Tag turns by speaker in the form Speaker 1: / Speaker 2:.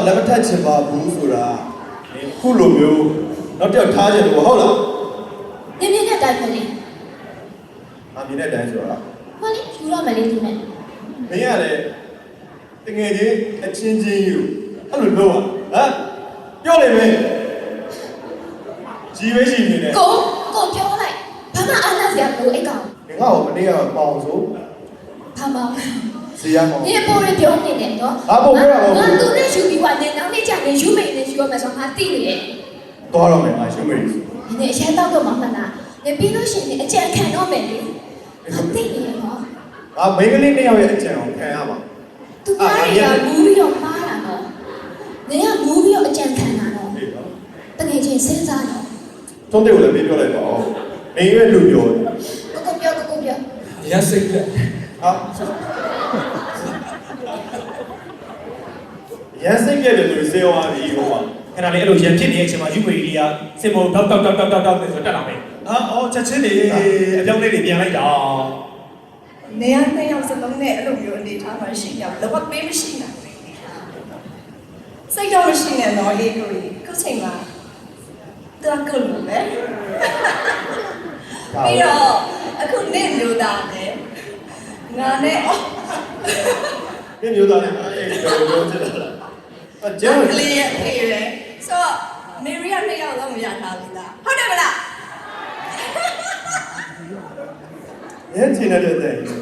Speaker 1: လက်မထက်ချင်ပါဘူးဆိုတာခုလိုမျိုးတော့တက်ထားချင်လို့ဟုတ်လား
Speaker 2: မြင်မြင်နဲ့တိုင်းမလေး
Speaker 1: အမြင်နဲ့တိုင်းဆိုတာ
Speaker 2: မလေးယူတော့မလေးဒီမဲ့
Speaker 1: မင်းကလည်းတကယ်ချင်းအချင်းချင်းယူအဲ့လိုလုပ်อ่ะဟမ်ပြောလိမ့်မယ်ကြီးပဲရှိနေတယ်
Speaker 2: ကိုပြောလိုက်ဘာမှအားနာစရာမလိုအဲ့ကောင်
Speaker 1: ငါ့ကိုမနေ့ကပေါအောင်ဆို
Speaker 2: ဘာမှ
Speaker 1: စီရမောင်
Speaker 2: 你ပိုရပြောနေတယ်နော်
Speaker 1: ငါပို့ပြောတာ
Speaker 2: ငါသူနဲ့ယူပြီးကနေနောက်နေ့ကျရင်ယူမိနေယူရမယ်ဆိုငါသိနေတယ်
Speaker 1: သွားတော့မယ်ငါယူမိနေ
Speaker 2: နေအရင်တော့မှမလားနေပြီးလို့ရှိရင်အကြံခံတော့မယ်လေသိနေရနော်
Speaker 1: ငါမိန်းကလေးနှစ်ယောက်ရဲ့အကြံကိုခံရပါ
Speaker 2: သူကလည်းမူးပြီးတော့မှားတာနော်နေကမူးပြီးတော့အကြံခံတာနော်တကယ်ချင်းစဉ်းစားတော့
Speaker 1: သုံးတဲ့ကိုလည်းပြောလိုက်ပါဦးနေရွယ်လူပြော
Speaker 2: ကိုပြော
Speaker 3: ရစိတ်ပြ
Speaker 1: ဟာရစိတ်ပြတယ်လို့စေဝါပြီးဟိုမှာ
Speaker 3: အဲ့ဒါလေအဲ့လိုရန်ဖြစ်နေတဲ့အချိန်မှာယူမေရီကစင်မောတောက်ဆိုတက်လာမယ်အော်ချက်ချင်းနေအပြောင်းလေးတွေပြန်လိုက်တာ
Speaker 4: နေရာနှစ်ယောက်စလုံးနဲ့အဲ့လိုမျိုးအနေထားမှရှိရလောကပေးမရှိတာစိတ်တော့မရှိနဲ့တော့အေးကိုခုချိန်မှာတော့ကုလို့ပဲပြီးတော့အခုနေမျိုးသားနဲ့ငါနဲ့
Speaker 1: နေမျိုးသားနဲ့အဲ့လိုချစ်တာလားအကျန်း
Speaker 4: ကလေးရဲ့ဖေးပဲဆိုတော့မေရီယာနှစ်ယောက်လုံးမရထားဘူးလားဟုတ်တယ်မလား
Speaker 1: ရဲချင်တဲ့တဲ့